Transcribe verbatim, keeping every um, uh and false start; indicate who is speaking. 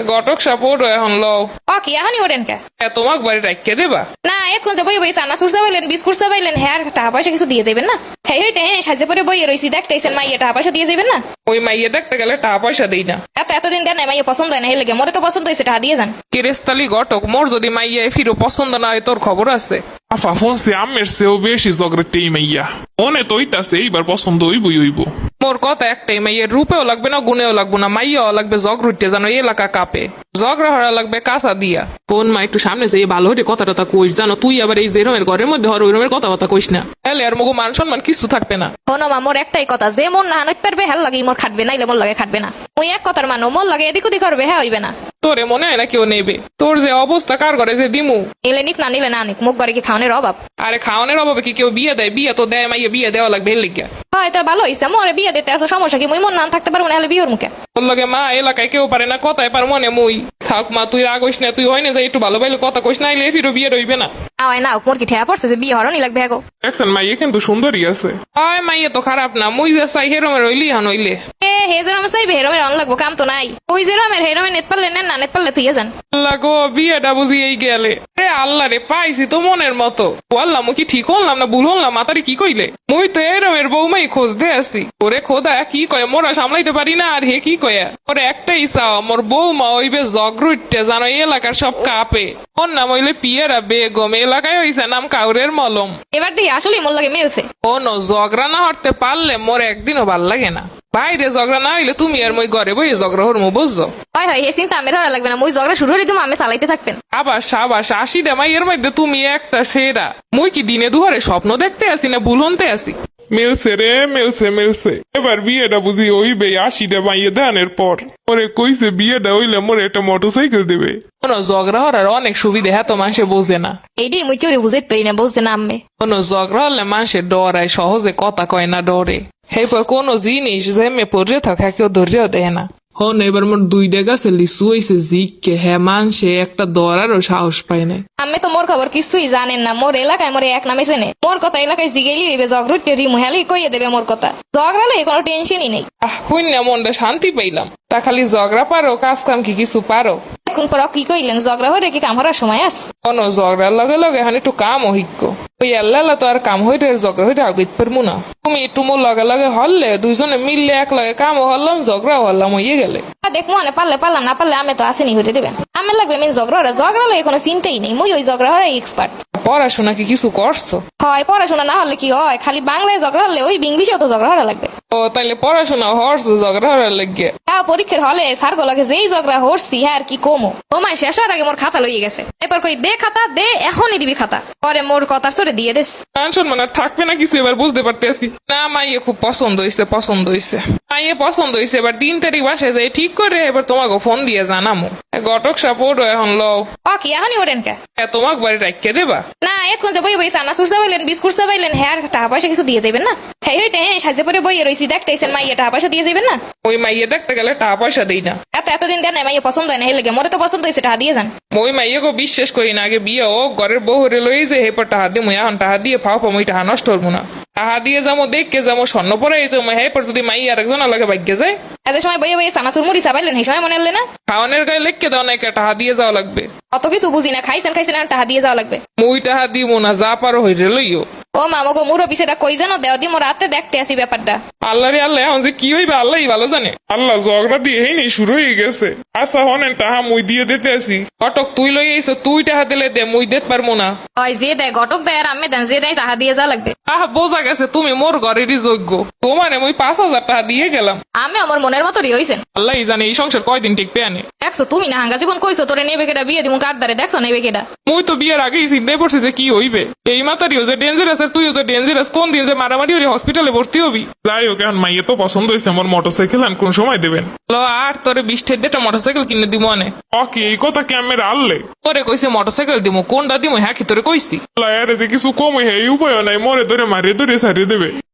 Speaker 1: ঘটক support এখন লও
Speaker 2: ও কি এখনই ওঠেন কে?
Speaker 1: তোমাক বাড়ি রাখিয়ে দেবা
Speaker 2: না এতক্ষণ যে বই বই চানা সুরসা পাইলেন বিস্কুট পাইলেন হ্যাঁ টাকা পয়সা কিছু দিয়ে যাবেন না? হ্যাঁ হইতে হ্যাঁ সাজে পরে বইয়ে রয়েছি দেখতেছেন মাইয়া টাকা পয়সা দিয়ে যাবেন না?
Speaker 1: ওই মাইয়ে দেখতে গেলে টাকা পয়সা দেই না।
Speaker 2: এত এতদিন দেন মাইয়া পছন্দ হয় না হেলে মরে তো পছন্দ হয়েছে টাকা দিয়ে যান।
Speaker 1: কেরেস্তালি ঘটক মোর যদি মাইয়া ফিরো পছন্দ না হয় তোর খবর আছে।
Speaker 3: আফা ফোনসে আমের সেও বেশি জগরেটেই মাইয়া মনে তো হইতাছে এইবার পছন্দ হইবই হইব।
Speaker 1: মোর কথা একটাই, মাইয়ের রূপেও লাগবে না গুণেও লাগবে না, মাইয়াও লাগবে জগ রুটতে জানো এলাকা কাপে, জগরা হরা লাগবে কাঁচা দিয়া। কোন মা একটু সামনে যে ভালো হইতে কথা টথা কইস, জানো তুই আবার এই যে রমের ঘরের মধ্যে হর ওই রমের কথা কথা কইস না, তাহলে আর মগু মান সম্মান কিছু থাকবে না।
Speaker 2: হনো মা মোর একটাই কথা, যে মন না হানতে পারবে হ্যাঁ লাগে মোর খাটবে নাইলে মোর লাগে খাটবে না। ওই এক কথার মানো মোর লাগে এদিক ওদিক করবে হ্যাঁ হইবে না।
Speaker 1: তোরে মনে হয় না কেউ নেবে? তোর যে অবস্থা কার ঘরে যে দিমু,
Speaker 2: এলে নিক না নিলে না নিক, মুখ ঘরে কি খাওয়ানোর অভাব?
Speaker 1: আরে খাওয়ানোর অভাবে কি কেউ বিয়ে দেয়? বিয়ে তো দেয়, মাইয়া বিয়ে দেওয়া লাগবে এর লিগা।
Speaker 2: হয় তা ভালো হইছে মোরে বিয়ে দিতে আসো, সমস্যা কি? মুই মন না থাকতে পারবো না হলে বিয়ের মুখে।
Speaker 1: তোর লগে মা এলাকায় কেউ পারে না, কথায় পার মনে মুই থাক মা, তুই রাগ হইস না, তুই হয় না যে একটু ভালো ভালো কথা কইস, নাইলে ফিরো বিয়ে রইবে না।
Speaker 2: আওয়াই না মোর কি ঠেয়া পড়ছে যে বিয়ে হরনি লাগবে হ্যাঁ গো?
Speaker 3: দেখছেন মাইয়া কিন্তু সুন্দরী আছে।
Speaker 1: হয় মাইয়া তো খারাপ না, মুই যে চাই হেরমের রইলি হান হইলে।
Speaker 2: এ হে যে রমে চাইবে হেরমের অন লাগবো, কাম তো নাই। ওই যে রমের হেরমে নেট পারলে নেন না, নেট পারলে তুই যান।
Speaker 1: আল্লাহ গো, বিয়েটা বুঝি এই গেলে রে, আল্লাহ রে পাইছি তো মনের মতো। বললাম কি ঠিক হলাম না ভুল হলাম? মাতারি কি কইলে? মুই তো এরমের বৌমাই খোঁজ দে আসি। ওরে খোদা কি কয়, মোরা সামলাইতে পারি না আর হে কি কয়া। ওরে একটাই চাও, মোর বৌমা হইবে জগরুটে জানো এলাকার সব কাপে। ওর নাম হইলে পিয়ারা বেগম, এলাকায় হইছে নাম কাউরের মলম।
Speaker 2: এবার দেখি আসলে মোর লাগে মেলছে।
Speaker 1: ও ন ঝগড়া না হরতে পারলে মোর একদিনও ভাল লাগে না। বাইরে ঝগড়া না হইলে তুমি আর মই ঘরে বই ঝগড়া হরমু, বুঝছো?
Speaker 2: হয় হয় এ চিন্তা আমের হরা লাগবে না, মুই ঝগড়া শুরু হলে তুমি আমি চালাইতে থাকবেন।
Speaker 1: আবার সাবাস, আশিটা মাইয়ের মধ্যে তুমি একটা সেরা। মুই কি দিনে দুহারে স্বপ্ন দেখতে আসি না ভুল হতে আসি?
Speaker 3: মেলছে রে মেলছে মেলছে এবার বিয়েটা বুঝি হইবে আশিটা মাইয়া ধানের পর। ওরে কইছে বিয়েটা হইলে মোরে একটা মোটরসাইকেল দেবে।
Speaker 1: কোনো ঝগড়া হরার অনেক সুবিধা, হ্যাঁ তো মানুষে বোঝে না।
Speaker 2: এইটাই মুই কেউ বুঝাইতে পারি না, বুঝতে না আম্মে।
Speaker 1: কোনো ঝগড়া হলে মানুষের ডরায়, সহজে কথা কয় না, ডরে। এরপর কোনো জিনিস জেমে পড়ে থাকে কেউ ধৈর্য দেয় না। হন এবার মোর দুইটা গাছে লিচু হইছে জিককে, হ্যাঁ মানুষে একটা দরারও সাহস পায় না।
Speaker 2: আমি তো মোর খবর কিছুই জানেন না, মোর এলাকায় মোর এক নামে চেনে। মোর কথা এলাকায় জিগেলি হইবে জগরুটে রিমু হেলি কইয়ে দেবে মোর কথা। ঝগড়ালে কোনো টেনশনই নেই।
Speaker 1: আহ হইনা মনটা শান্তি পাইলাম। তা খালি ঝগড়া পারো, কাজ কাম কি কিছু পারো?
Speaker 2: এখন পর কি কইলেন, ঝগড়া হয়ে কি কাম হওয়ার সময় আছে?
Speaker 1: কোনো ঝগড়ার লগে লগে এখন একটু কাম অভিজ্ঞ ওই আল্লাহ তো আর কাম হইতে ঝগড়া হইতে আগাইতে পারবো না। তুমি একটু মোর লগে লগে হরলে দুইজনে মিললে এক লগে কাম হরলাম, ঝগড়াও হরলাম, হইয়ে গেলে।
Speaker 2: দেখবো মানে পারলে পারলাম, না পারলে আমি তো আসেনি হইতে দেবেন। আমি লাগবে মেন ঝগড়া হরা, ঝগড়া লাগে কোনো চিন্তাই নেই, মুই ওই ঝগড়া হরাই এক্সপার্ট।
Speaker 1: পড়াশোনা কি কিছু করছো?
Speaker 2: হয় পড়াশোনা না হলে কি হয়, খালি বাংলায় ঝগড়া হলে ওই ইংলিশেও তো ঝগড়া হরা লাগবে।
Speaker 1: ও তাইলে পড়াশোনা হরছো ঝগড়া হরার লাগে?
Speaker 2: হ্যাঁ পরীক্ষার হলে সার লাগে যেই ঝগড়া হরছি হ্যাঁ আর কি কমো। তোমায় শেষ হওয়ার আগে মোর খাতা লইয়ে গেছে। এরপর কই দে খাতা দে, এখনই দিবি খাতা। পরে মোর কথা সরে দিয়ে দেস।
Speaker 1: টেনশন মানে থাকবে না কিছু, এবার বুঝতে পারতেছি। না মাইয়ে খুব পছন্দ হয়েছে, পছন্দ হয়েছে মাইয়ে পছন্দ হয়েছে। এবার তিন তারিখ বাসায় যাই ঠিক করে এবার তোমাকে ফোন দিয়ে জানামো। ঘটক সাপোর্ট এখন লও।
Speaker 2: ও কি এখনই ওঠেন কে?
Speaker 1: তোমাকে বাড়ি রাখিয়ে দেবা?
Speaker 2: না এতক্ষণ যে বই বই চানা সুরসা পাইলেন বিস্কুট পাইলেন হ্যাঁ টাকা পয়সা কিছু দিয়ে যাবেন না? হ্যাঁ হইতে হ্যাঁ সাজে পরে বইয়ে রয়েছি দেখতেছেন মাইয়া টাকা পয়সা দিয়ে যাবেন না?
Speaker 1: ওই মাইয়ে দেখতে গেলে টাকা পয়সা দেই না।
Speaker 2: এত এতদিন দেন মাইয়া পছন্দ হয় না হেলে মরে তো পছন্দ হয়েছে টাকা দিয়ে যান।
Speaker 1: ওই মাইয়াকে বিশ্বাস করি না, আগে বিয়ে ও ঘরের বউ হরে লই যে হেপর টাহা দিয়ে মুই এখন টাহা দিয়ে ফাও পাবো, টাহা নষ্ট হবো না। টাহা দিয়ে যাবো দেখকে যাবো স্বর্ণ পরে যাবো, হেপর যদি মাই আরেকজন আলাদা ভাগ্যে যায়।
Speaker 2: এত সময় বইয়ে বইয়ে চানাচুর মুড়ি চাপাইলেন সেই সময় মনে হলে না?
Speaker 1: খাওয়ানোর গায়ে লেখকে দাও না, টাহা দিয়ে যাওয়া লাগবে।
Speaker 2: অত কিছু বুঝি না, খাইছেন খাইছেন আর টাকা দিয়ে যাওয়া লাগবে।
Speaker 1: মুই টাহা দিব না, যা পারো হইরে লইও।
Speaker 2: ও মামা গো মুরো পিছেটা কই জানো, দেও দি মোর রাতে দেখতে আসি ব্যাপারটা।
Speaker 1: আল্লাহ রে আল্লাহ, এখন যে কি হইবে আল্লাহই ভালো জানে।
Speaker 3: আল্লাহ ঝগড়া দিয়ে হেই নেই শুরু হয়ে গেছে। আচ্ছা হনেন টাহা মুই দিয়ে দিতে আসি।
Speaker 1: ঘটক তুই লই আইছো, তুই টাহা দিলে দে, মুই দিতে পারবো না।
Speaker 2: ওই যে দেয় ঘটক দেয় আর আমি দেন যে দেয় টাকা দিয়ে যাওয়া লাগবে।
Speaker 1: আহ বোঝা গেছে তুমি মোর ঘরেরই যোগ্য। তোমারে মুই পাঁচ হাজার টাকা দিয়ে গেলাম।
Speaker 2: আমি আমার মনের মতোই হইছেন।
Speaker 1: আল্লাহ জানে এই সংসার কয়দিন টিকবে আনে।
Speaker 2: দেখছো তুমি না হাঙ্গা জীবন কইছো তোরে নেবে কেটা বিয়ে দিমু কার দ্বারে, দেখছো নেবে কেটা?
Speaker 1: মুই তো বিয়ের আগেই চিন্তায় পড়ছি যে কি হইবে। এই মাতারিও যে ডেঞ্জারাস আর তুইও যে ডেঞ্জারাস, কোন দিন যে মারামারি হলে হসপিটালে ভর্তি হবি।
Speaker 3: যাই হোক এখন মাইয়া তো পছন্দ হয়েছে, আমার মোটরসাইকেল আন কোন সময় দেবেন?
Speaker 1: ল আর তোরে বিশ ঠেডটা মোটরসাইকেল কিনে দিব আনে।
Speaker 3: ওকে এই কথা কি আমি আনলে?
Speaker 1: তোরে কইছে মোটরসাইকেল দিব, কোনটা দিব হ্যাঁ কি তোরে কইছি?
Speaker 3: আল্লাহ এর যে কিছু কম হয়ে এই উপায় নাই, মরে ধরে মারিয়ে ধরে সারিয়ে দেবে।